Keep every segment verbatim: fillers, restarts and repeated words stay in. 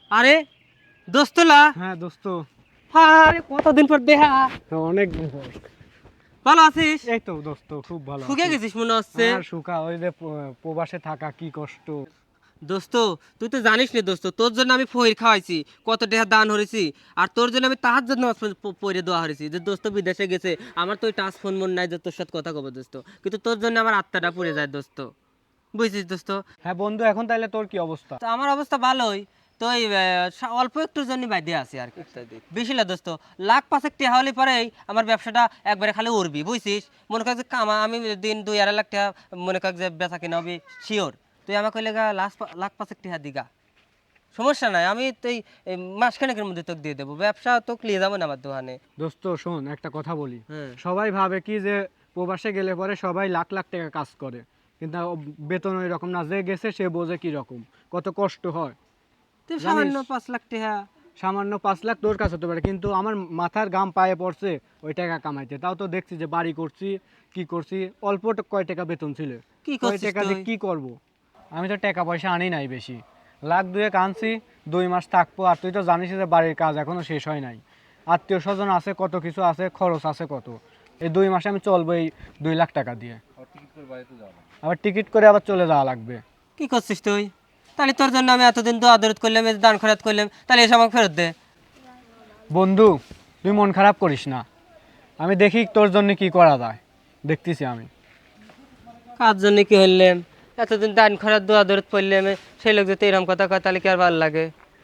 আরে দোস্তলা। হ্যাঁ দোস্ত। আরে কতদিন পর দেখা। অনেক দিন পর। ভালো আছিস? এই তো দোস্ত খুব ভালো। শুকিয়ে গেছিস মনে হচ্ছে। আর শুকা ওই যে প- প্রবাসে থাকা কি কষ্ট। দোস্ত তুই তো জানিস না দোস্ত, তোর জন্য আমি ফহির খাওয়াইছি, কত টাকা দান হয়েছি, আর তোর জন্য আমি তাহার জন্য পরে দেওয়া হয়েছি যে দোস্ত বিদেশে গেছে, আমার তো ওই টাচ ফোন মন নাই যে তোর সাথে কথা কব দোস্ত, কিন্তু তোর জন্য আমার আত্মাটা পড়ে যায় দোস্ত, বুঝছিস দোস্ত? হ্যাঁ বন্ধু, এখন তাহলে তোর কি অবস্থা? তো আমার অবস্থা ভালোই, তো এই আহ, সা- অল্প একটুর জন্য বাইরে আছি আর কি, বেশি না দোস্ত, লাখ পাঁচেক টাকা হলে পরেই আমার ব্যবসাটা একবারে খালি উড়বি, বুঝছিস? মনে কর যে কামা আমি দিন দুই আড়াই লাখ টাকা মনে কর যে বেচা কিনা হবে শিওর, তুই আমাকে কইলে গা লাখ পা- লাখ পাঁচেক টাকা দিগা, সমস্যা নাই, আমি তো এই এই মাসখানেকের মধ্যে তোকে দিয়ে দেবো, ব্যবসা তোকে নিয়ে যাবো না আমার দোকানে। দোস্ত শোন, একটা কথা বলি। হ্যাঁ। সবাই ভাবে কি যে প্রবাসে গেলে পরে সবাই লাখ লাখ টাকা কাজ করে, কিন্তু বেতন ওই রকম না, যে গেছে সে বোঝে কি রকম কত কষ্ট হয়। তুই জানিস? সামান্য পাঁচ লাখ টাকা। সামান্য পাঁচ লাখ তোর কাছে হতে পারে, কিন্তু আমার মাথার গাম পায়ে পড়ছে ওই টাকা কামাইতে। তাও তো দেখছি যে বাড়ি করছি, কি করছি, অল্প ট- কয় টাকা বেতন ছিল, কি কয় করছিস টাকা দিয়ে তুই? কি করব? আমি তো টাকা পয়সা আনি নাই বেশি, লাখ দুয়েক আনছি, দুই মাস থাকবো। আর তুই তো জানিস যে বাড়ির কাজ এখনো শেষ হয় নাই, আত্মীয় স্বজন আছে, কত কিছু আছে, খরচ আছে কত। এই দুই মাসে আমি চলবো এই দুই লাখ টাকা দিয়ে, আবার টিকিট করে আবার চলে যাওয়া লাগবে। কি করছিস তুই? তাহলে তোর জন্য আমি এতদিন তো আদরত করলাম, এই যে দান খরাত করলাম, তাহলে এসে আমাকে ফেরত দে। বন্ধু তুই মন খারাপ করিস না, আমি দেখি তোর জন্য কি করা যায়, দেখতেছি আমি। কার জন্য কি হইলাম? এতদিন দান খরাত দোয়া দরদ পড়লাম, সেই লোক যদি এরকম কথা কয় তাহলে কি আর ভালো লাগে?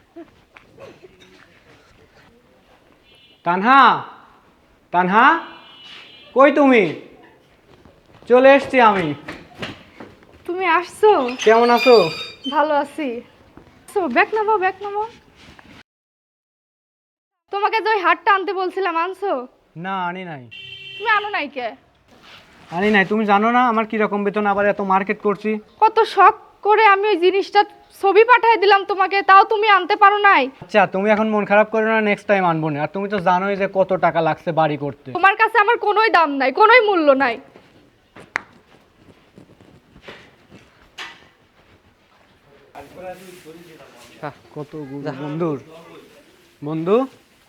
তানহা, তানহা, কই তুমি? চলে এসছি আমি। তুমি আসছো? কেমন আছো? ভালো আছি। সো ব্যাগ নামো, ব্যাগ নামো। তোমাকে যে ওই হাটটা আনতে বলছিলাম, আনছো? না আনি নাই। তুমি আনো নাই কে? আনি নাই, তুমি জানো না আমার কি রকম বেতন, আবার এত মার্কেট করছি। কত শখ করে আমি ওই জিনিসটা ছবি পাঠিয়ে দিলাম তোমাকে, তাও তুমি আনতে পারো নাই। আচ্ছা তুমি এখন মন খারাপ করো না, নেক্সট টাইম আনবো না। আর তুমি তো জানোই যে কত টাকা লাগছে বাড়ি করতে। তোমার কাছে আমার কোনোই দাম নাই, কোনোই মূল্য নাই। কত গু- বন্ধুর বন্ধু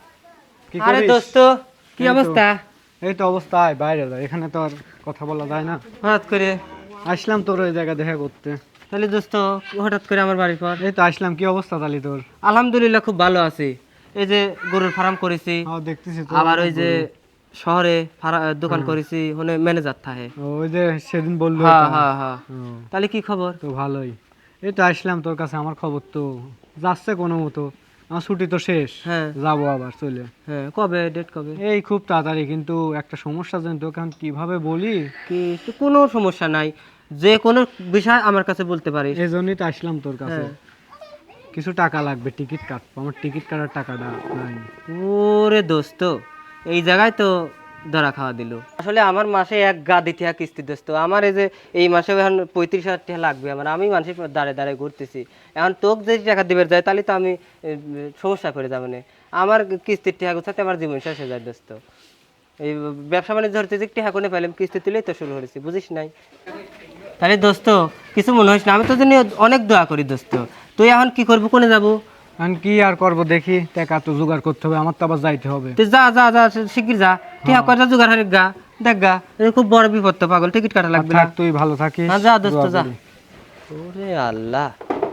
কি আরে করিস? দোস্ত, কি এই তো। অবস্থা? এই তো অবস্থা, আয় বাইরে যা, এখানে তো আর কথা বলা যায় না। হঠাৎ করে? আসলাম তোর ওই জায়গা দেখা করতে। তাহলে দোস্ত হঠাৎ করে আমার বাড়ির পর? এই তো আসলাম, কি অবস্থা তালি তোর? আলহামদুলিল্লাহ খুব ভালো আছি, এই যে গরুর ফার্ম করেছি, হ্যাঁ দেখতেছি তো। আবার ওই যে শহরে ফারা- দোকান করেছি, ওখানে ম্যানেজার থাকে। ওই যে সেদিন বললো হ্যাঁ এটা। হ্যাঁ হ্যাঁ। ও, তাহলে কি খবর? তো ভালোই। এই তো আসলাম তোর কাছে, আমার খবর তো যাচ্ছে কোনো মতো, আমার ছুটি তো শেষ। হ্যাঁ যাবো আবার চলে। হ্যাঁ, কবে ডেট কবে? এই খুব তাড়াতাড়ি, কিন্তু একটা সমস্যা জানি তোকে এখন কিভাবে বলি। কি? তো কোনো সমস্যা নাই, যে কোনো বিষয় আমার কাছে বলতে পারিস। এই জন্যই তো আসলাম তোর কাছে। হ্যাঁ। কিছু টাকা লাগবে, টিকিট কাটবো, আমার টিকিট কাটার টাকাটা নাই। ওরে দোস্ত, এই জায়গায় তো ধরা খাওয়া দিল। আসলে আমার মাসে এক গা দিতে হয় কিস্তি দোস্ত, আমার এই যে এই মাসে এখন পঁয়ত্রিশ হাজার টাকা লাগবে আমার, আমি মানুষের দাঁড়ে দাঁড়ে ঘুরতেছি, এখন তোকে যদি টাকা দিবে যায় তাহলে তো আমি এ, সমস্যা করে যাবো না, আমার কিস্তির টাকা গোছাতে আমার জীবন শেষ হয়ে যায় দোস্ত। এই ব্যবসা বাণিজ্য ধরতে যে টাকা কোনে পেলাম, কিস্তি তুলেই তো শুরু করেছি, বুঝিস নাই? তাহলে দোস্ত কিছু মনে হইস না, আমি তো জন্য অনেক দোয়া করি দোস্ত, তুই এখন কি করবো, কোনে যাবো? এখন কি আর করবো, দেখি টাকা তো জোগাড় করতে হবে, আমার তো আবার যাইতে হবে। তুই যা যা যা শিগগির যা, টিয়া কয়টা জোগাড় হারিক গা, দেখ গা, এ খুব বড় বিপদ তো, পাগল, টিকিট কাটা লাগবে না। থাক, তুই ভালো থাকিস। হ্যাঁ, যা দোস্ত, দোয়া যা। করি। ওরে আল্লাহ,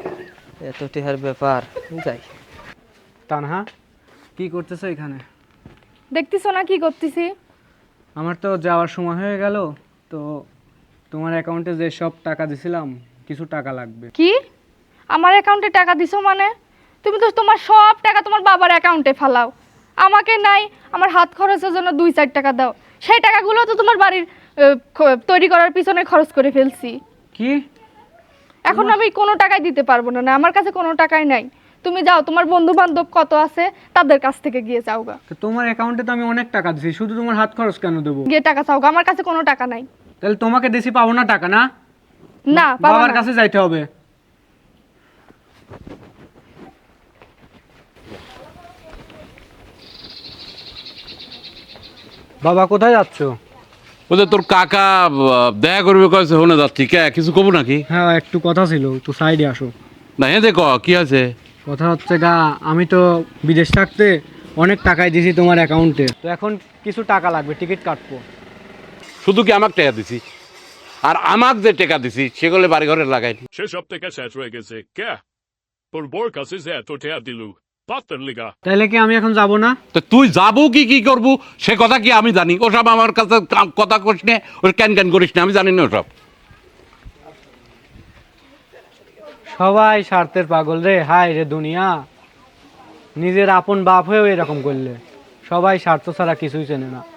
এত টিহার ব্যাপার, যাই। তানহা, কি করতেছো এখানে? দেখতেছো না কি করতেছি? আমার তো যাওয়ার সময় হয়ে গেল, তো তোমার অ্যাকাউন্টে যে সব টাকা দিছিলাম কিছু টাকা লাগবে। কি? আমার অ্যাকাউন্টে টাকা দিছো মানে? তুমি তো তোমার সব টাকা তোমার বাবার অ্যাকাউন্টে ফালাও, আমাকে নাই আমার হাত খরচের জন্য দুই চার টাকা দাও, সেই টাকাগুলো তো তোমার বাড়ির আহ, খ- তৈরি করার পিছনে খরচ করে ফেলছি। কি? এখন আমি কোনো টাকাই দিতে পারবো না, না আমার কাছে কোনো টাকাই নাই। তুমি যাও, তোমার বন্ধু বান্ধব কত আছে তাদের কাছ থেকে গিয়ে চাওগা, তো তোমার অ্যাকাউন্টে তো আমি অনেক টাকা দিছি, শুধু তোমার হাত খরচ কেন দেবো? গিয়ে টাকা চাওগা, আমার কাছে কোনো টাকা নাই। তাহলে তোমাকে দেশি পাবো না টাকা? না, না পাবা বাবার না। কাছে যাইতে হবে। বাবা কোথায় যাচ্ছ? ওদের তোর কাকা আহ, দেখা করবে কয়েছে, হনে যাচ্ছি কে কিছু কব নাকি? হ্যাঁ একটু কথা ছিল, একটু সাইডে আসো। না হ্যাঁ দেখ কি আছে? কথা হচ্ছে গা, আমি তো বিদেশ থাকতে অনেক টাকাই দিছি তোমার অ্যাকাউন্টে, তো এখন কিছু টাকা লাগবে, টিকিট কাটবো। শুধু কি আমাকে টাকা দিছি? আর আমাকে যে টাকা দিছি সেগুলো বাড়ি ঘরে লাগাইনি। সেসব থেকে শেষ হয়ে গেছে কে তোর বোর কাছে যে এত টাকা দিলু পাত্তার লিগা। তাইলে কি আমি এখন যাব না? তো তুই যাবো কি কি করবো সে কথা কি আমি জানি? ওসব আমার কাছে কা- কথা করিস না, ওর ক্যান ক্যান করিস না, আমি জানি না ওসব। সবাই স্বার্থের পাগল রে, হায় রে দুনিয়া, নিজের আপন বাপ হয়েও এরকম করলে। সবাই স্বার্থ ছাড়া কিছুই চেনে না।